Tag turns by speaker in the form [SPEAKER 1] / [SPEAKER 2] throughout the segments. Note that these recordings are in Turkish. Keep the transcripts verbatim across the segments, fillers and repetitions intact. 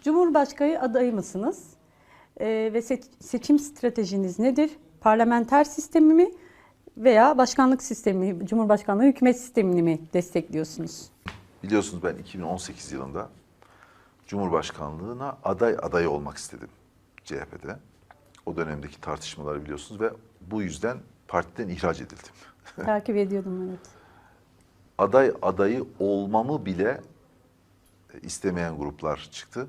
[SPEAKER 1] Cumhurbaşkanı adayı mısınız? Ee, ve se- seçim stratejiniz nedir? Parlamenter sistemi mi veya başkanlık sistemi, Cumhurbaşkanlığı hükümet sistemini mi destekliyorsunuz?
[SPEAKER 2] Biliyorsunuz ben iki bin on sekiz yılında Cumhurbaşkanlığına aday adayı olmak istedim C H P'de. O dönemdeki tartışmaları biliyorsunuz ve bu yüzden partiden ihraç edildim.
[SPEAKER 1] Takip ediyordum, evet.
[SPEAKER 2] Aday adayı olmamı bile istemeyen gruplar çıktı.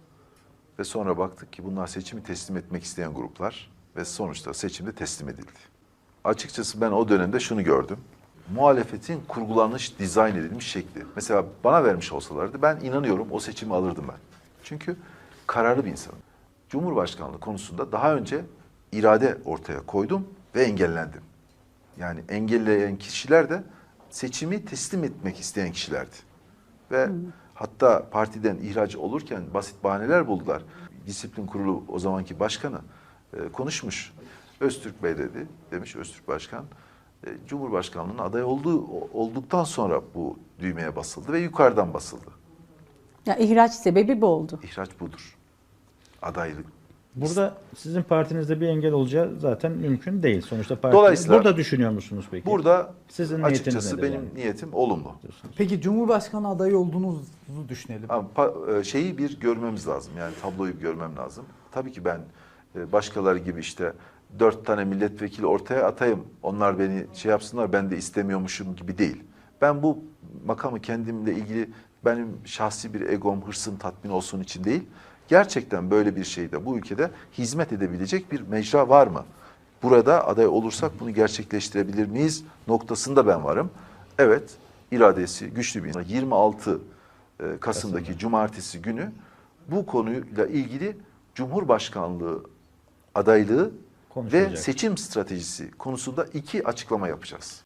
[SPEAKER 2] Ve sonra baktık ki bunlar seçimi teslim etmek isteyen gruplar ve sonuçta seçimde teslim edildi. Açıkçası ben o dönemde şunu gördüm. Muhalefetin kurgulanmış, dizayn edilmiş şekli. Mesela bana vermiş olsalardı ben inanıyorum o seçimi alırdım ben. Çünkü kararlı bir insanım. Cumhurbaşkanlığı konusunda daha önce irade ortaya koydum ve engellendim. Yani engelleyen kişiler de seçimi teslim etmek isteyen kişilerdi. Ve hmm. hatta partiden ihraç olurken basit bahaneler buldular. Disiplin Kurulu o zamanki başkanı e, konuşmuş. Öztürk Bey dedi, demiş Öztürk Başkan. E, Cumhurbaşkanlığının aday olduğu olduktan sonra bu düğmeye basıldı ve yukarıdan basıldı.
[SPEAKER 1] Ya ihraç sebebi bu oldu.
[SPEAKER 2] İhraç budur. Adaylık.
[SPEAKER 3] Burada sizin partinizde bir engel olacağı zaten mümkün değil. Sonuçta parti.
[SPEAKER 2] Dolayısıyla
[SPEAKER 3] Burada düşünüyor musunuz peki?
[SPEAKER 2] Burada
[SPEAKER 3] sizin
[SPEAKER 2] açıkçası benim
[SPEAKER 3] yani?
[SPEAKER 2] niyetim olumlu.
[SPEAKER 4] Peki Cumhurbaşkanı adayı olduğunuzu düşünelim.
[SPEAKER 2] Ama şeyi bir görmemiz lazım. Yani tabloyu bir görmem lazım. Tabii ki ben başkaları gibi işte dört tane milletvekili ortaya atayım. Onlar beni şey yapsınlar, ben de istemiyormuşum gibi değil. Ben bu makamı kendimle ilgili benim şahsi bir egom, hırsım tatmin olsun için değil. Gerçekten böyle bir şeyde bu ülkede hizmet edebilecek bir mecra var mı? Burada aday olursak bunu gerçekleştirebilir miyiz noktasında ben varım. Evet, iradesi güçlü bir insan. yirmi altı Kasım'daki Kasım'da. Cumartesi günü bu konuyla ilgili Cumhurbaşkanlığı adaylığı ve seçim stratejisi konusunda iki açıklama yapacağız.